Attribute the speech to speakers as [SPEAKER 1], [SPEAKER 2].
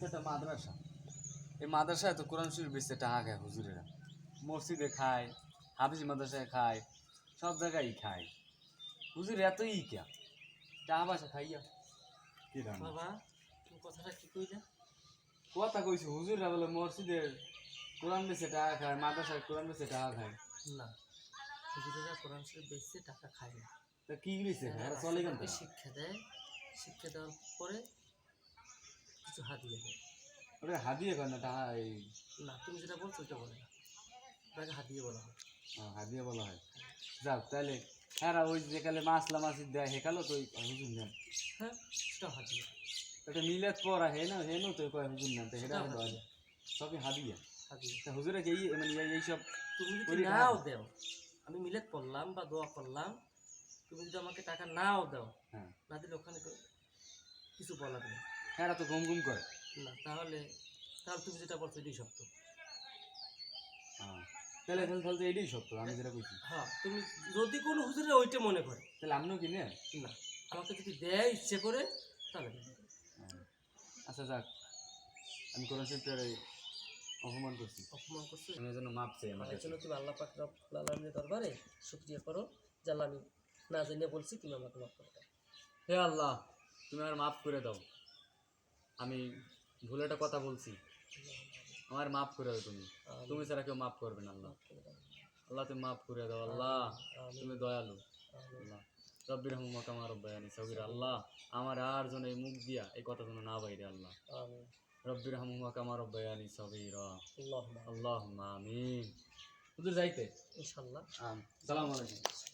[SPEAKER 1] তো একটা মাদ্রাসা, এই মাদ্রাসায় তো কোরআন শরীফ বেচতে টাকা খায় হুজুরেরা, মসজিদে খায়, হাফিজ মাদ্রাসায় খায়, সব জায়গায় খায়। হুজুর এতই কে টাকা পয়সা খাইয়া কি দাম
[SPEAKER 2] বাবা তুমি কথাটা কি কইলা?
[SPEAKER 1] কথা কইছি হুজুররা বলে মসজিদের কোরআন বেচে টাকা খায়, মাদ্রাসায় কোরআন বেচে টাকা খায়।
[SPEAKER 2] না, হুজুরেরা কোরআন শরীফ বেচে টাকা খায় না।
[SPEAKER 1] তা কি বেচে খায়?
[SPEAKER 2] এরা
[SPEAKER 1] এরা চলে কেন
[SPEAKER 2] রাস্তাঘাটে
[SPEAKER 1] তারা?
[SPEAKER 2] শিক্ষা দেয়, শিক্ষা দেওয়ার পরে কিছু হাতিয়ে দেয়।
[SPEAKER 1] ওটা হাদিয়ে কয় না টাকা, এই
[SPEAKER 2] না, তুমি যেটা বলছো ওইটা বলে না, ওটাকে হাতিয়ে বলা হয়।
[SPEAKER 1] হাদিয়ে বলা হয়। যাক তাহলে হ্যাঁ ওই যেকালে মাছলা মাছি দেয় হেকালো তো ওই হুজুর নেন।
[SPEAKER 2] হ্যাঁ, সেটাও হাতিয়ে।
[SPEAKER 1] এটা মিলাদ পড়া হে না তো কয় হুজুর নেন, তো সেটা
[SPEAKER 2] সেটাও
[SPEAKER 1] হলো
[SPEAKER 2] হাতিয়ে।
[SPEAKER 1] সবই হাদিয়া।
[SPEAKER 2] হাতিয়ে।
[SPEAKER 1] তা হুজুরে কি মানে এইসব
[SPEAKER 2] তুমি যদি
[SPEAKER 1] করি খায়?
[SPEAKER 2] নাও দেও, আমি মিলাদ পড়লাম বা দোয়া করলাম, তুমি যদি আমাকে টাকা নাও দাও,
[SPEAKER 1] হ্যাঁ
[SPEAKER 2] না দিলে ওখানে কিছু বলার নেই।
[SPEAKER 1] হ্যাঁ এরা তো ঘুম ঘুম করে।
[SPEAKER 2] না, তাহলে তাহলে তুমি যেটা বলছো এটাই সত্য।
[SPEAKER 1] হ্যাঁ তাহলে তাহলে তাহলে তো এটাই সত্য আমি যেটা কইছি।
[SPEAKER 2] হ্যাঁ, তুমি যদি কোনো হুজুরে ওইটা মনে করে,
[SPEAKER 1] তাহলে আপনিও কি নেন?
[SPEAKER 2] না, আমাকে যদি দেয় ইচ্ছে করে তাহলে দেব।
[SPEAKER 1] আচ্ছা যাক, আমি কোরআন শরীফটার অপমান করছি,
[SPEAKER 2] অপমান করছো,
[SPEAKER 1] আমি এর জন্য মাপ চাই আমার
[SPEAKER 2] এর
[SPEAKER 1] কাছে।
[SPEAKER 2] জন্য তুমি আল্লাহ পাক রব্বুল আলামিনের দরবারে শুকরিয়া করো যে আল্লাহ, আমি না জেনে বলছি, তুমি আমাকে মাফ করে দাও।
[SPEAKER 1] হে আল্লাহ, তুমি আমার মাফ করে দাও, আমি ভুলে একটা কথা বলছি, আমার মাফ করে দাও তুমি, তুমি ছাড়া কেউ মাফ করবে না আল্লাহ।
[SPEAKER 2] মাফ করে দাও।
[SPEAKER 1] আল্লাহ তুমি মাফ করে দাও আল্লাহ,
[SPEAKER 2] আমিন।
[SPEAKER 1] তুমি দয়ালু
[SPEAKER 2] আমিন।
[SPEAKER 1] আল্লাহ। রব্বির রহমা কামা রব্বায়ানি সগীরা, আল্লাহ আমার আর জন এই মুখ দিয়া এই কথা যেন না বাইরে আল্লাহ।
[SPEAKER 2] আমিন।
[SPEAKER 1] রব্বির রহমা কামা রব্বায়ানি সগীরা,
[SPEAKER 2] আল্লাহুম্মা
[SPEAKER 1] আল্লাহুম্মা আমিন। হুজুর যাইতে
[SPEAKER 2] ইনশাআল্লাহ।
[SPEAKER 1] সালাম আলাইকুম।